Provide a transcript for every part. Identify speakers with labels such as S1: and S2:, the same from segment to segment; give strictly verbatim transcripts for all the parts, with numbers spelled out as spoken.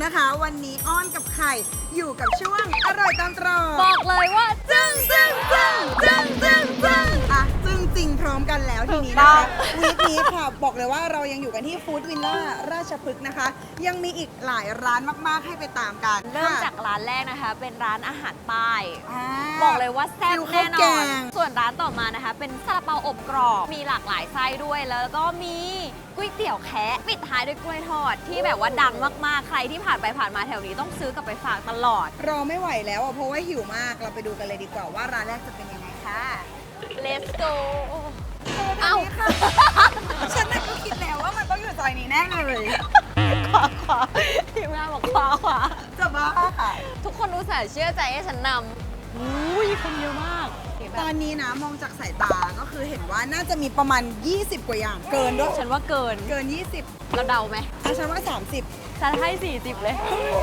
S1: นะคะวันนี้อ้อนกับไข่อยู่กับช่วงอร่อยตามตรอก
S2: บอกเลยว่าจึ้งจึ้งจึ้งจึ้งจึ้งจึ้ง
S1: อ่ะซึ่งจริงพร้อมกันแล้วทีนี้
S2: ถูกต้
S1: นะ
S2: อง
S1: คะวีคนี้ค่ะบอกเลยว่าเรายังอยู่กันที่ฟู้ดวิลล่าราชพฤกษ์นะคะ ยังมีอีกหลายร้านมากๆให้ไปตามกัน
S2: เริ่ม
S1: ค่ะ
S2: จากร้านแรกนะคะ เป็นร้านอาหารใต้
S1: า
S2: บอกเลยว่าแซ่บ
S1: ฟิวข้า
S2: แน่
S1: วน แก
S2: อน
S1: ง
S2: ส่วนร้านต่อมานะคะ เป็นซาลาเปาอบกรอบ มีหลากหลายไส้ด้วย แล้วก็มีก๋วยเตี๋ยวแคะปิดท้ายด้วยกล้วยทอดที่แบบว่าดังมากๆ ใครที่ผ่านไปผ่านมาแถวนี้ต้องซื้อกลับไปฝากตลอด
S1: รอไม่ไหวแล้วอ่ะเพราะว่าหิวมากเราไปดูกันเลยดีกว่าว่าร้านแรกจะเป็นยังไงค่ะ
S2: Let's go
S1: เอ้า
S2: เอ้า
S1: ค่ะ ฉันน่ะก็คิดแล้วว่ามันต้องอยู่ซอยนี้แน่เลย
S2: ขวาขวาทีมงานบอกขวาขวา
S1: จะบ้าค่ะ
S2: ทุกคนรู้สึกเชื่อใจให้ฉันนำอุ้ยคนเยอะมาก
S1: ตอนนี้นะมองจากสายตาก็คือเห็นว่าน่าจะมีประมาณ ยี่สิบ กว่าอย่างเกินด้วย
S2: ฉันว่าเกิน
S1: เกิน ยี่สิบ
S2: เราเดาไหม
S1: อ่ะฉันว่า สามสิบ
S2: ฉันให้สี่สิบเลย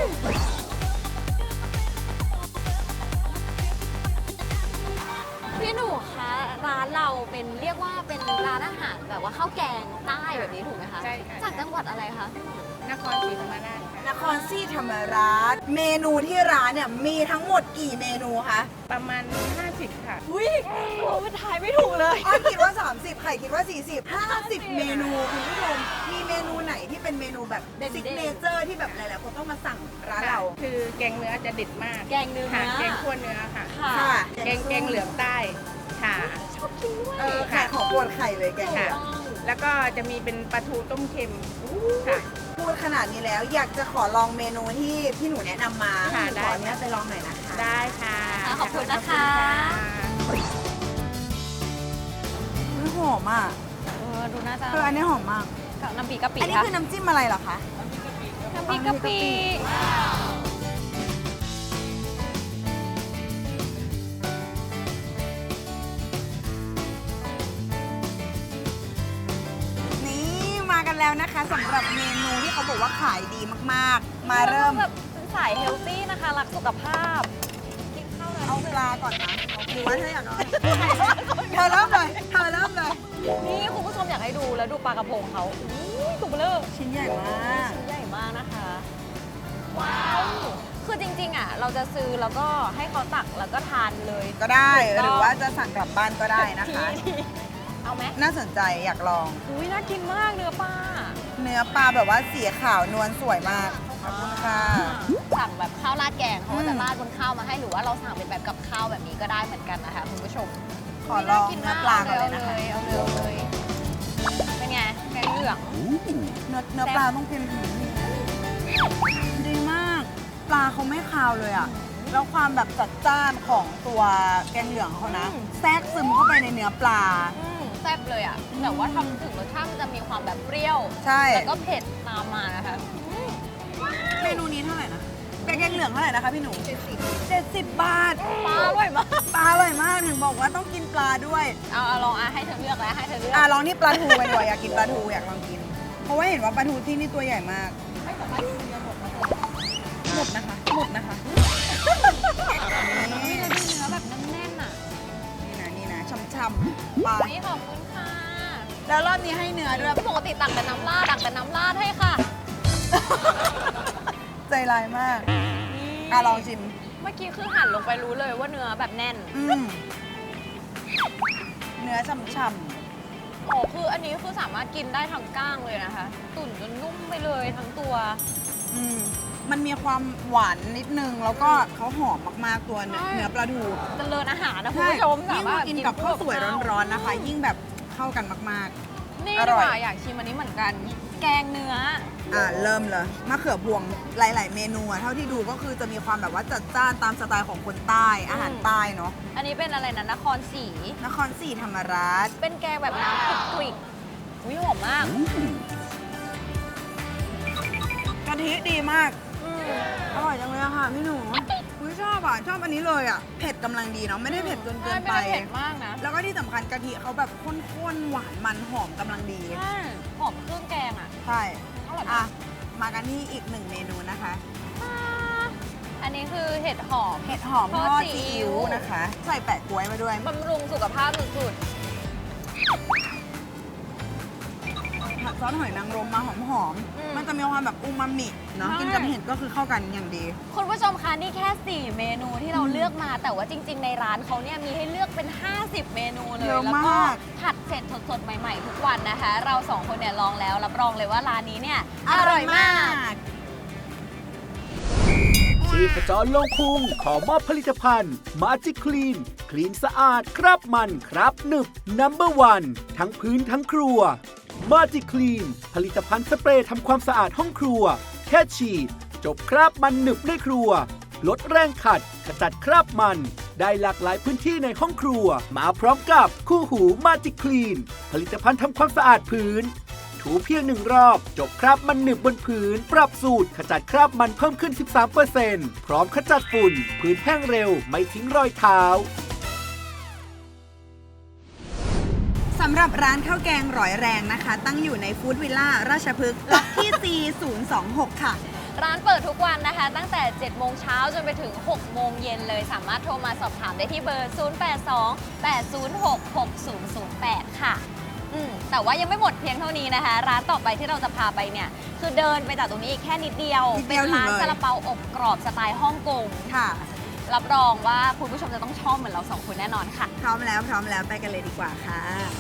S2: พี่หนูคะร้านเราเป็นเรียกว่าเป็นร้านอาหารแบบว่าข้าวแกงใต้แบบนี้ถูกไหมคะ
S3: ใช่ค่ะ
S2: จากจังหวัดอะไรคะ
S3: นครศรีธรรมราชค่ะ
S1: นครศรีธรรมราชเมนูที่ร้านเนี่ยมีทั้งหมดกี่เมนูคะ
S3: ประมาณ ห้าสิบ ค่ะ
S2: อุ้ยเราไปทายไม่ถูกเลย
S1: อ้อยคิดว่า สามสิบไข่คิดว่า สี่สิบ ห้าสิบ เมนูคุณผู้ชมมีเมนูไหนที่เป็นเมนูแบบ
S2: เด่นๆ
S1: ซิกเนเจอร์ที่แบบหลายๆคนต้องมาสั่งร้านเรา
S3: คือแกงเนื้อจะเด็ดมาก
S2: แกงเนื้อ
S3: ค่ะแกงคั่วเนื้อค่ะ
S2: ค่ะ
S1: ค่ะ
S3: แกงแกงเหลืองใต้ค่ะ
S2: ชอบกินด้วย
S1: เออไข่ของโปรดไข่เลยแกง
S3: ค่ะ
S1: เนี่ย
S3: แล้วก็จะมีเป็นปลาทูต้มเค็มค่ะ
S1: พูดขนาดนี้แล้วอยากจะขอลองเมนูที่พี่หนูแนะนำมา
S3: ค่ะได้
S1: ขออนุญาตไปลองหน่อยนะคะ
S3: ได้ค่ะ
S2: ขอบคุณนะคะ
S1: อุ๊ยหอมอ่ะ
S2: เออดูน่าจะ
S1: คืออันนี้หอมมาก
S2: กับน้ำพริกกะปิ
S1: อันนี้
S2: ค่ะ
S1: คือน้ำจิ้มอะไรเหรอคะ
S2: น้ำพริกกะปิ
S1: นี่มากันแล้วนะคะสำหรับเมนูที่เขาบอกว่าขายดีมากๆ มาเริ่ม
S2: แบบเป็นสายเฮลตี้นะคะ รักสุขภาพ กินข้าวเลย
S1: เอาปลาก่อนนะหรือว่าเธออยากเอาอะไรเธอเริ่มเลยเธอเริ่มเลย
S2: นี่คุณผู้ชมอยากให้ดูแล้วดูปลากระพงเขาอุ้ยตัวเบลอ
S1: ชิ้นใหญ่มาก
S2: ชิ้นใหญ่มากนะคะ ว้าว คือจริงๆอ่ะ เราจะซื้อแล้วก็ให้เขาตักแล้วก็ทานเลย
S1: ก็ได้
S2: ถูกต้อง
S1: หรือว่าจะสั่งกลับบ้านก็ได้นะคะ
S2: ทีเอาไหม
S1: น่าสนใจอยากลอง
S2: อุ้ยน่ากินมากเนื้อปลา
S1: เนื้อปลาแบบว่าสีขาวนวลสวยมากขอบคุณค่ะ
S2: สั่งแบบข้าวราดแกงเขาก็จะ
S1: อืม
S2: ราดบนข้าวมาให้หรือว่าเราสั่งเป็นแบบกับข้าวแบบนี้ก็ได้เหมือนกันนะคะคุณผู้ชม
S1: ขอลองเนื้อปลาก่อนเลยนะคะ
S2: เอาเลยเอาเลยเป็นไงแกงเหลือง
S1: เนื้อเนื้อปลาต้องเป็นดีมาก ปลาเขาไม่คาวเลยอ่ะ แล้วความแบบจัดจ้านของตัวแกงเหลืองเขานะ แทรกซึมเข้าไปในเนื้อปลา
S2: อืมแซ่บเลยอ่ะแต่ว่าทำถึงรสชาติมันจะมีความแบบเปรี้ยว
S1: ใช่
S2: แล้วก็เผ็ดตามมานะคะ
S1: เมนูนี้เท่าไหร่นะแกงเหลืองเท่าไหร่นะคะพี่หนูเจ็ดสิบบาท
S2: ปลาอร่อยมาก
S1: ปลาอร่อยมากถึงบอกว่าต้องกินปลาด้วย
S2: เอาเอาลองอ่ะให้เธอเลือกแล้วให้เธอเลือก
S1: อ่ะลองนี่ปลาทูไปดีกว่าอยากกินปลาทูอยากลองกิน เพราะว่าเห็นว่าปลาทูที่นี่ตัวใหญ่มาก หมดนะคะ หมดนะคะ
S2: นี่เราดูเนื้อแบบแน่นๆอ่ะ
S1: นี่นะนี่นะช่ำๆปลา
S2: นี่ขอบคุณค่ะ
S1: แล้วรอบนี้ให้เนื้อด้วย
S2: ปกติตักแต่น้ำราดตักแต่น้ำราดให้ค่ะ
S1: ใจร้ายมาก อ่ะลองชิม
S2: เมื่อกี้คือหั่นลงไปรู้เลยว่าเนื้อแบบแน่น
S1: อืมเนื้อช่ำ
S2: โอ้คืออันนี้คือสามารถกินได้ทั้งก้างเลยนะคะ ตุ๋นจนนุ่มไปเลยทั้งตัว
S1: ๆอืมมันมีความหวานนิดนึง แล้วก็เขาหอมมากๆตัวเนื้อ
S2: ใช่
S1: เนื้อปลาทู
S2: เจริญอาหารนะคุณผู้ชม
S1: ยิ่
S2: สาง มารถ
S1: กินกับข้าวสวยร้อนๆนะคะ ยิ่งแบบเข้ากันมาก
S2: นี่
S1: อ
S2: ดี
S1: ร่อย
S2: กว่าอยากชิมอันนี้เหมือนกัน แกงเนื้อ
S1: ๆ อ่ะเริ่มเลยมะเขือพวงหลาย ๆ เมนูอะเท่าที่ดูก็คือจะมีความแบบว่าจัดจ้านตามสไตล์ของคนใต้ อาหารใต้เนาะ
S2: อันนี้เป็นอะไรนะนครศรี
S1: นครศรีธรรมราช
S2: เป็นแกงแบบน้ำคลุกคลิกวิหอมมาก
S1: กะทิดีมาก
S2: อืม
S1: อร่อยจังเลยอะค่ะพี่หนูอุ้ยชอบอ่ะ ชอบอันนี้เลยอ่ะ เผ็ดกำลังดีเนาะ ไม่ได้เผ็ดจนเกินไป
S2: ไม่ได้เผ็ดมากนะ
S1: แล้วก็ที่สำคัญกะทิเขาแบบข้นๆ หวานมันหอมกำลังดี
S2: ใช่หอมเครื่องแกงอ่ะ
S1: ใช่
S2: อร่อย
S1: อ่ะ
S2: มาก
S1: มากันที่อีกหนึ่งเมนูนะคะ
S2: อันนี้คือเห็ดหอม
S1: เห็ดหอมท
S2: ท
S1: อ
S2: อ
S1: ด
S2: ดซี
S1: ซี
S2: อิ๊
S1: อิ๊ว
S2: ว
S1: นะคะ ใส่แปะกล้วยมาด้วย
S2: บำรุงสุขภาพสุด
S1: ทแบบซอสหอยนางรมมาหอม
S2: อืม
S1: ๆมันจะมีความแบบอูมามิเนาะ
S2: ใช่
S1: กินกับเห็ดก็คือเข้ากันอย่างดี
S2: คุณผู้ชมคะนี่แค่ สี่ เมนูที่เราเลือกมา แต่ว่าจริง ๆ ในร้านเขาเนี่ยมีให้เลือกเป็น ห้าสิบ เมนูเลย
S1: เยอะ
S2: แล้วก็
S1: มาก
S2: ผัดเสร็จสดๆ ใหม่ ๆ ทุกวันนะคะ เราสองคนเนี่ยลองแล้วรับรองเลยว่าร้านนี้เนี่ยอร่อยมาก
S4: ชีพจรลงพุงขอมอบผลิตภัณฑ์มาจิคลีนคลีนสะอาดครับมันครับหนึบนัมเบอร์วันทั้งพื้นทั้งครัวมาจิคลีนผลิตภัณฑ์สเปรย์ทำความสะอาดห้องครัว แค่ฉีดจบคราบมันหนึบในครัว ลดแรงขัดขจัดคราบมัน ได้หลากหลายพื้นที่ในห้องครัว มาพร้อมกับคู่หูมาจิคลีนผลิตภัณฑ์ทำความสะอาดพื้น ถูเพียงหนึ่งรอบ จบคราบมันหนึบบนพื้น ปรับสูตรขจัดคราบมันเพิ่มขึ้น สิบสามเปอร์เซ็นต์ พร้อมขจัดฝุ่น พื้นแห้งเร็วไม่ทิ้งรอยเท้า
S1: สำหรับร้านข้าวแกงร้อยแรงนะคะ ตั้งอยู่ในฟู้ดวิลล่าราชพฤกษ์ล็อกที่ ซี ศูนย์ สอง หก ค่ะ
S2: ร้านเปิดทุกวันนะคะ ตั้งแต่ เจ็ด โมงเช้าจนไปถึง หก โมงเย็นเลย สามารถโทรมาสอบถามได้ที่เบอร์ ศูนย์ แปด สอง แปด ศูนย์ หก หก ศูนย์ ศูนย์ แปด ค่ะอืมแต่ว่ายังไม่หมดเพียงเท่านี้นะคะ ร้านต่อไปที่เราจะพาไปเนี่ย คือเดินไปจากตรงนี้อีกแค่นิดเดียว
S1: นิดเดี
S2: เป็น
S1: ยว
S2: ร้าน
S1: ถึงเลย
S2: ซาลาเปาอบกรอบสไตล์ฮ่องกง
S1: ค่ะ
S2: รับรองว่าคุณผู้ชมจะต้องชอบเหมือนเราสองคนแน่นอนค่ะ
S1: พร้อมแล้วพร้อมแล้วไปกันเลยดีกว่าค่ะ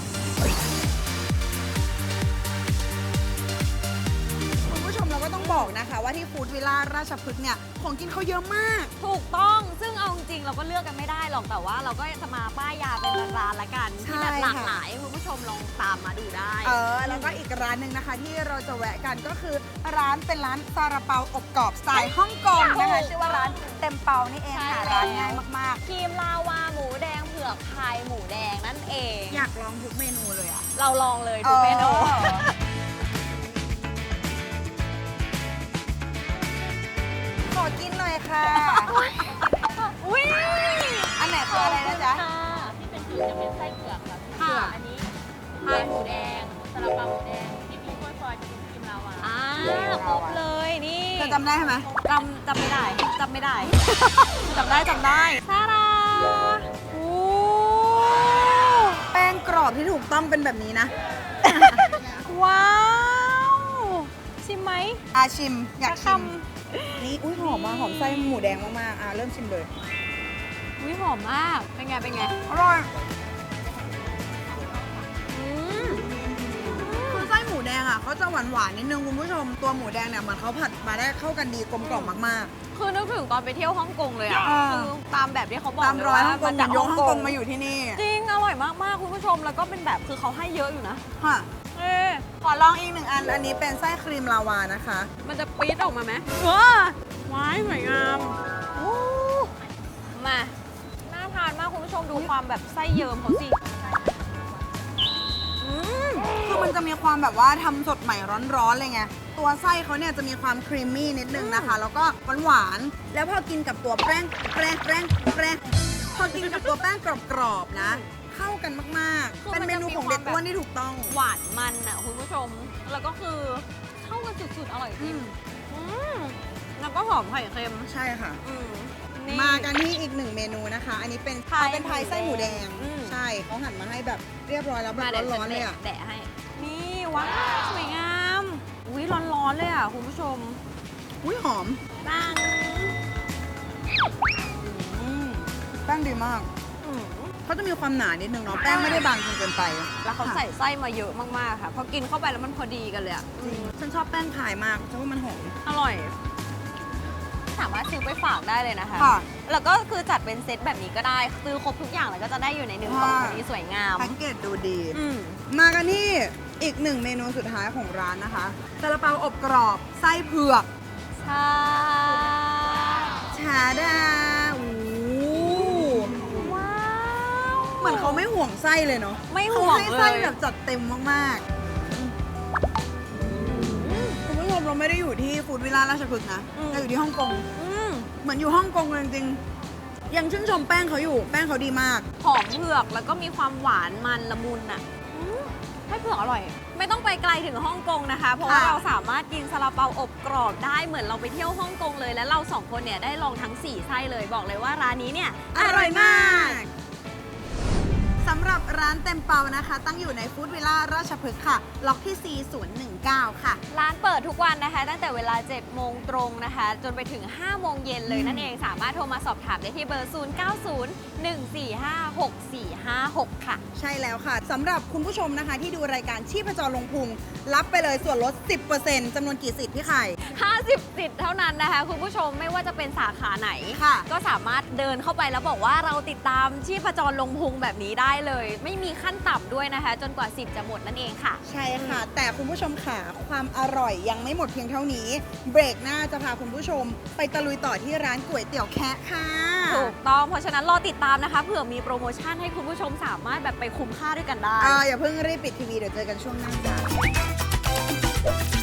S1: คุณผู้ชมเราก็ต้องบอกนะคะ ว่าที่ฟู้ดวิลล่าราชพฤกษ์เนี่ยของกินเขาเยอะมาก
S2: ถูกต้องซึ่งเอาจริงๆเราก็เลือกกันไม่ได้หรอกแต่ว่าเราก็จะมาป้ายยาเป็นร้านๆละกัน
S1: ใช่
S2: ที่แบบหลาก
S1: ค่ะ
S2: หลายคุณผู้ชมลองตามมาดูได้
S1: เออแล้วก็อีกร้านหนึ่งนะคะ ที่เราจะแวะกันก็คือร้านเป็นร้านซาลาเปาอบกรอบสไตล์ฮ่องกงนะคะชื่อว่าร้านเต็มเปานี่เองค่ะร้านง่ายมาก
S2: ครีมลาวาหมูแดงเผือกพายหมูแดงนั่นเอง
S1: ๆ อยากลองทุกเมนูเลยอ่ะ
S2: เราลองเลยทุกเมนู
S1: เออขอกินหน่อยค่ะ
S2: อุ้ย
S1: อันไหนคืออะไรนะจ๊ะ
S5: ที่เป็นเผือกจะเป็นไส้เผือกค่ะ
S2: ค่ะ
S5: อันนี้พายหมูแดงซาลาเปาหมูแดง ที่มีกล้วยฟอยจะเป็นครีมลาวา
S2: อ่าครบเลยนี่
S1: เธอจำได้ไหม
S2: จำจำไม่ได้จำไม่ได้ จำได้จำได้ซาดาโอ้
S1: แป้งกรอบที่ถูกต้องเป็นแบบนี้นะ
S2: ว้าวชิมไหม
S1: อาชิม อยากชิม
S2: สั
S1: นี่อุ้ยหอมมากหอมไส้หมูแดงมากๆอ่ะเริ่มชิมเลย
S2: อุ้ยหอมมาก เป็นไง เป็นไง
S1: อร่อย
S2: อืม
S1: คือไส้หมูแดงอ่ะเขาจะหวานหวานๆนิดนึงคุณผู้ชม ตัวหมูแดงเนี่ยเหมือนเขาผัดมาได้เข้ากันดีกลมกล่อมมาก
S2: คือนึกถึงตอนไปเที่ยวฮ่องกงเลยอ่ะ
S1: อ่า
S2: คือตามแบบที่เขาบอ
S1: ๆ
S2: ก
S1: ตามรอยฮ่องกง
S2: จาก
S1: ยกฮ่องกงมาอยู่ที่นี่
S2: จริง อร่อยมาก ๆ คุณผู้ชม แล้วก็เป็นแบบคือเขาให้เยอะอยู่นะ
S1: ค่ะ
S2: เอ๊ะ
S1: ขอลองอีกหนึ่งอัน อันนี้เป็นไส้ครีมลาวานะคะ
S2: มันจะปี๊ดออกมาไหมว้าว้ายสวยงามโอ้มา น่าทานมากคุณผู้ชมดูความแบบไส้เยิ้มเขาสิ อืม
S1: คือมันจะมีความแบบว่าทำสดใหม่ร้อนๆเลยไง ตัวไส้เขาเนี่ยจะมีความครีมมี่นิดนึงนะคะ แล้วก็หวานๆ แล้วพอกินกับตัวแป้งแป้งแป้งแป้งพอกินกับตัวแป้งกรอบๆนะ เข้ากันมาก
S2: คือ
S1: ๆ เป็น
S2: มัน
S1: เม
S2: จะ
S1: นู
S2: มี
S1: ของ
S2: ความ
S1: เด็กอ้วนที่ถูกต้อง
S2: หวานมันอ่ะคุณผู้ชม แล้วก็คือเข้ากันสุดๆ อร่อยจริงอืมแล้วก็หอมไข่เค็ม
S1: ใช่ค่ะ
S2: อืมนี่
S1: มากันที่อีกหนึ่งเมนูนะคะ อันนี้เป็น
S2: พาย
S1: เป็นพายไส้หมูแดง
S2: อืม
S1: ใช่เขาหั่นมาให้แบบเรียบร้อยแล้วแบบ
S2: มาเดี๋ยว
S1: ร้อนๆเลยอ่ะ
S2: แดะให้ นี่ว้าวสวยงาม อุ้ยร้อนๆเลยอ่ะคุณผู้ชม
S1: อุ้ยหอม
S2: ปัง
S1: อืมแป้งดีมาก
S2: อืม
S1: เขาจะมีความหนานิดนึงเนาะ แป้งไม่ได้บางจนเกินไป
S2: แล้วเขาใส่ไส้มาเยอะมากๆค่ะพอกินเข้าไปแล้วมันพอดีกันเลยอ่ะ
S1: จริงฉันชอบแป้งพายมากเพราะว่ามันหอม
S2: อร่อย สามารถซื้อไปฝากได้เลยนะคะ
S1: ค่ะ
S2: แล้วก็คือจัดเป็นเซตแบบนี้ก็ได้ ซื้อครบทุกอย่างแล้วก็จะได้อยู่ในหนึ่งกล่อง
S1: ค่ะ
S2: พอดีสวยงาม
S1: แพ็กเกจดูดี
S2: อืม
S1: มากันที่อีกหนึ่งเมนูสุดท้ายของร้านนะคะซาลาเปาอบกรอบไส้เผือก
S2: ใช่
S1: ชาดาโอ้โห
S2: ว้าว
S1: เหมือนเขาไม่ห่วงไส้เลยเนาะ
S2: ไม่ห่วง
S1: เขาให้
S2: เล
S1: ไส้
S2: ย
S1: แบบจัดเต็มมากๆคุณผู้ชมเราไม่ได้อยู่ที่ฟู้ดวิลล่าราชพฤกษ์นะเราอยู่ที่ฮ่องกง
S2: อืม
S1: เหมือนอยู่ฮ่องกงเลยจริงๆยังชื่นชมแป้งเขาอยู่ แป้งเขาดีมาก
S2: หอมเผือกแล้วก็มีความหวานมันละมุนอ่ะอืมให้เผือกอร่อย ไม่ต้องไปไกลถึงฮ่องกงนะคะ เพราะว่า
S1: ค่ะ
S2: เราสามารถกินซาลาเปาอบกรอบได้เหมือนเราไปเที่ยวฮ่องกงเลย และเราสองคนเนี่ยได้ลองทั้งสี่ไส้เลยบอกเลยว่าร้านนี้เนี่ย
S1: อร่อยมาก สสำหรับร้านเต็มเปานะคะ ตั้งอยู่ในฟู้ดวิลล่าราชพฤกษ์ค่ะ ล็อกที่ สี่ศูนย์หนึ่งเก้า ค่ะ
S2: ร้านเปิดทุกวันนะคะ ตั้งแต่เวลา เจ็ดโมงตรงนะคะ จนไปถึง ห้าโมงเย็นเลยนั่นเอง สามารถโทรมาสอบถามได้ที่เบอร์ ศูนย์ เก้า ศูนย์ หนึ่ง สี่ ห้า หก สี่ ห้า หก ค่ะ
S1: ใช่แล้วค่ะสำหรับคุณผู้ชมนะคะ ที่ดูรายการชีพจรลงพุงรับไปเลยส่วนลด สิบเปอร์เซ็นต์ จำนวนกี่สิทธิ์พี่ไข่
S2: ห้าสิบ สิทธิ์เท่านั้นนะคะ คุณผู้ชมไม่ว่าจะเป็นสาขาไหน
S1: ค่ะ
S2: ก็สามารถเดินเข้าไปแล้วบอกว่าเราติดตามชีพจรลงพุงแบบนี้ได้เลย ไม่มีขั้นต่ำด้วยนะคะ จนกว่าสิทธิ์จะหมดนั่นเองค่ะ
S1: ใช่ค่ะ แต่คุณผู้ชมค่ะความอร่อยยังไม่หมดเพียงเท่านี้ เบรกหน้าจะพาคุณผู้ชม ไปตะลุยต่อที่ร้านก๋วยเตี๋ยวแคะค่ะ
S2: ถูกต้อง เพราะฉะนั้นรอติดตามนะคะ เผื่อมีโปรโมชั่นให้คุณผู้ชมสามารถแบบไปคุ้มค่าด้วยกันได้
S1: อ่าอย่าเพิ่งรีบปิดทีวีเดี๋ยวเจอกันช่วงหน้าจ้ะ